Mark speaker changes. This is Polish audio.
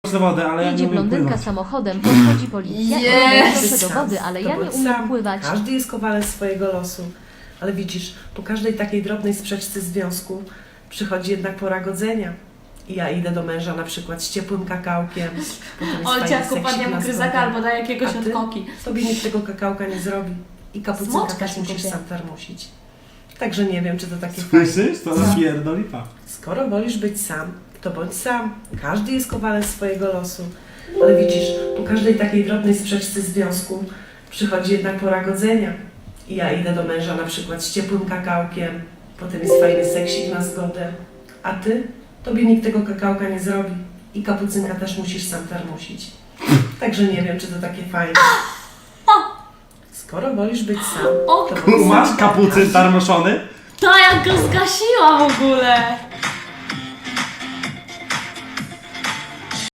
Speaker 1: do wody, ale ja
Speaker 2: Jedzie
Speaker 1: nie umiem
Speaker 2: blondynka
Speaker 1: pływać.
Speaker 2: samochodem, podchodzi policja i
Speaker 3: Jest!
Speaker 2: proszę do wody, ale ja nie umiem pływać.
Speaker 3: Każdy jest kowalem swojego losu. Ale widzisz, po każdej takiej drobnej sprzeczce związku przychodzi jednak pora godzenia. I ja idę do męża na przykład z ciepłym kakałkiem. potem jest
Speaker 4: Olcia
Speaker 3: fajny
Speaker 4: kupadnie
Speaker 3: seksik
Speaker 4: mu
Speaker 3: na
Speaker 4: gryzaka
Speaker 3: zgodę.
Speaker 4: albo da jakiegoś
Speaker 3: A
Speaker 4: od
Speaker 3: ty?
Speaker 4: koki.
Speaker 3: Tobie nikt tego kakałka nie zrobi. I kapucynka
Speaker 4: Smoczka
Speaker 3: też
Speaker 4: się
Speaker 3: musisz
Speaker 4: kupię.
Speaker 3: sam tarmusić. Także nie wiem, czy to takie fajne.
Speaker 1: Słyszysz? To napierdoli pa.
Speaker 3: Skoro wolisz być sam, to bądź sam. Każdy jest kowalem swojego losu. Ale widzisz, po każdej takiej drobnej sprzeczce związku przychodzi jednak pora godzenia. I ja idę do męża na przykład z ciepłym kakałkiem, potem jest fajny seksik na zgodę. A ty? Tobie nikt tego kakałka nie zrobi. I kapucynka też musisz sam tarmusić. Także nie wiem, czy to takie fajne. Skoro wolisz być sam,
Speaker 4: O
Speaker 3: to bądź sam.
Speaker 1: Masz kapucyn tarmoszony?
Speaker 4: To jak go zgasiła w ogóle!